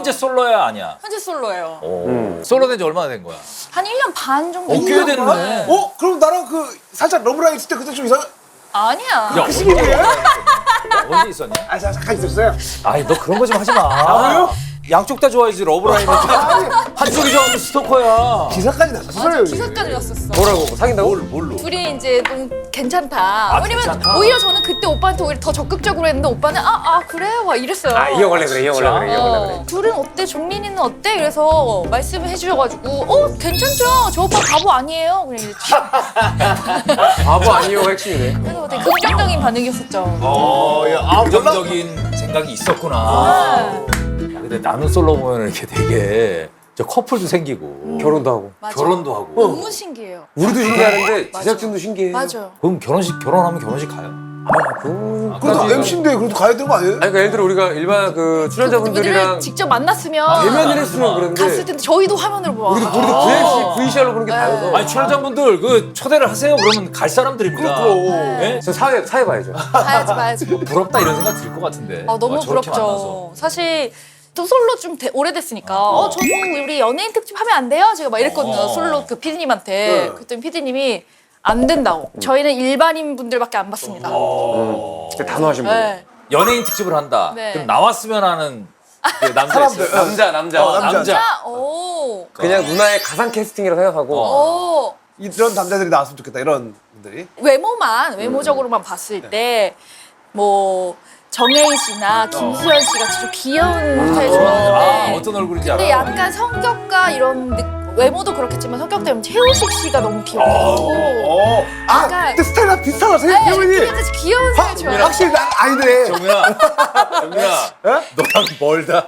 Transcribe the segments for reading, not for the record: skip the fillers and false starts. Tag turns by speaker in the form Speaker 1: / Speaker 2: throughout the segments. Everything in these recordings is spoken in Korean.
Speaker 1: 현재 솔로야 아니야?
Speaker 2: 현재 솔로예요.
Speaker 1: 솔로 된 지 얼마나 된 거야?
Speaker 2: 한 1년 반 정도.
Speaker 1: 꽤 됐네.
Speaker 3: 그럼 나랑 그 살짝 러브라인 있을 때 그때 좀 이상.
Speaker 2: 아니야.
Speaker 1: 야,
Speaker 3: 그 시기예요?
Speaker 1: 언제 있었냐?
Speaker 3: 아 잠깐 있었어요.
Speaker 1: 아니 너 그런 거 좀 하지 마.
Speaker 3: 왜요?
Speaker 1: 양쪽 다 좋아해야지 러브라인은. 한쪽이 좋아하면 스토커야.
Speaker 3: 기사까지 났었어요.
Speaker 2: 맞아, 기사까지 났었어.
Speaker 4: 뭐라고? 사귄다고?
Speaker 1: 뭘로?
Speaker 2: 둘이 이제 너무 괜찮다. 왜냐면
Speaker 1: 괜찮다?
Speaker 2: 오히려 저는 그때 오빠한테 오히려 더 적극적으로 했는데 오빠는 그래? 막 이랬어요.
Speaker 4: 이어갈래 그래, 이어갈래 그래, 이어갈래 그래.
Speaker 2: 둘은 어때? 종민이는 어때? 그래서 말씀을 해주셔가지고 괜찮죠? 저 오빠 바보 아니에요? 그냥 이랬죠.
Speaker 4: 바보 아니요가 핵심이네.
Speaker 2: 그래서 되게 긍정적인 반응이었었죠.
Speaker 1: 긍정적인 생각이 있었구나. 야, 근데 나는 솔로 보면 이렇게 되게 저 커플도 생기고
Speaker 4: 결혼도 하고.
Speaker 2: 맞아.
Speaker 1: 결혼도 하고.
Speaker 2: 너무 신기해요.
Speaker 4: 우리도 신기하는데
Speaker 2: 맞아.
Speaker 4: 제작진도 신기해.
Speaker 2: 맞아요.
Speaker 1: 그럼 결혼하면 결혼식 가요?
Speaker 3: 그래도 MC인데 그래도 가야 되는 거 아니에요?
Speaker 4: 아니 그러니까 예를 들어 우리가 일반 그 출연자분들이랑
Speaker 2: 그분들을 직접 만났으면
Speaker 4: 대면을 했으면 그런데
Speaker 2: 갔을 텐데 저희도 화면으로 봐.
Speaker 4: 우리도 VCR로 보는 게 다여서.
Speaker 1: 아니 출연자분들 그 초대를 하세요. 그러면 갈 사람들입니다. 예?
Speaker 4: 저 사회 봐야죠.
Speaker 2: 봐야지.
Speaker 1: 부럽다 이런 생각 들 것 같은데.
Speaker 2: 너무
Speaker 1: 저렇게
Speaker 2: 부럽죠.
Speaker 1: 만나서.
Speaker 2: 사실 또 솔로 좀 오래됐으니까 저도 우리 연예인 특집 하면 안 돼요? 제가 막 이랬거든요. 솔로 그 PD님한테. 그랬더니 PD님이 안 된다고. 저희는 일반인 분들밖에 안 받습니다.
Speaker 4: 진짜 단호하신 분.
Speaker 2: 네.
Speaker 1: 연예인 특집을 한다.
Speaker 2: 네.
Speaker 1: 그럼 나왔으면 하는 그 남자 있어요.
Speaker 4: 남자.
Speaker 1: 남자.
Speaker 2: 오.
Speaker 4: 그냥 누나의 가상 캐스팅이라고 생각하고.
Speaker 2: 오.
Speaker 3: 이런 남자들이 나왔으면 좋겠다 이런 분들이.
Speaker 2: 외모적으로만 봤을 때 뭐 정혜인 씨나 김수현 씨 같이 좀 귀여운 스타일 좋아하는데
Speaker 1: 어떤 얼굴인지
Speaker 2: 근데
Speaker 1: 알아.
Speaker 2: 약간 성격과 이런 외모도 그렇겠지만 성격 때문에 최우식 씨가 너무 귀엽고 약간
Speaker 3: 근데 스타일이랑 비슷하다
Speaker 2: 네,
Speaker 3: 생각해보니.
Speaker 2: 약간 귀여운 스타일 좋아해요.
Speaker 3: 확실히 난 아니네.
Speaker 1: 정민아, 너랑 멀다.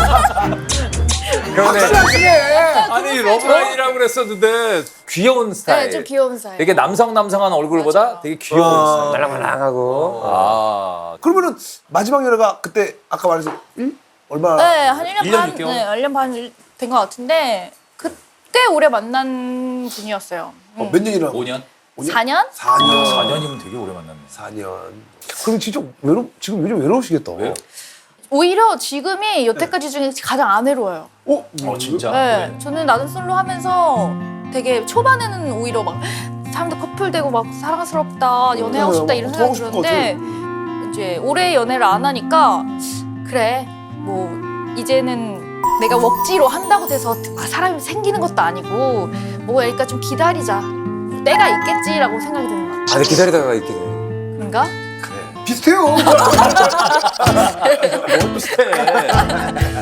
Speaker 4: 그런데
Speaker 3: 확실하시네.
Speaker 1: 아니 러브라인이라고 그랬었는데 귀여운 스타일.
Speaker 2: 네, 좀 귀여운 스타일.
Speaker 1: 되게 남성한 얼굴보다
Speaker 2: 맞아.
Speaker 1: 되게 귀여운 스타일.
Speaker 4: 말랑말랑하고.
Speaker 3: 그러면은 마지막 연애가 그때 아까 말했듯이 얼마나?
Speaker 2: 네, 한 1년
Speaker 1: 1년
Speaker 2: 반,
Speaker 1: 6개월?
Speaker 2: 네, 1년 반 된 것 같은데 그때 오래 만난 분이었어요.
Speaker 3: 몇 년이나?
Speaker 1: 5년?
Speaker 2: 4년?
Speaker 3: 4년.
Speaker 1: 4년이면 되게 오래 만났네.
Speaker 3: 4년. 그럼 진짜 지금 요즘 외로우시겠다.
Speaker 1: 왜요?
Speaker 2: 오히려 지금이 여태까지 중에 가장 안 외로워요.
Speaker 1: 진짜?
Speaker 2: 네, 저는 나는 솔로 하면서 되게 초반에는 오히려 막 사람들 커플 되고 막 사랑스럽다, 연애하고 싶다 이런
Speaker 3: 더 하고
Speaker 2: 생각이
Speaker 3: 싶을 것
Speaker 2: 들었는데 이제 오래 연애를 안 하니까 그래 뭐 이제는 내가 억지로 한다고 돼서 사람이 생기는 것도 아니고 뭐 그러니까 좀 기다리자. 때가 있겠지라고 생각이 드는 것 같아요.
Speaker 4: 근데 기다리다가 있게 돼.
Speaker 2: 그런가?
Speaker 3: 비슷해요.
Speaker 1: 너무 비슷해.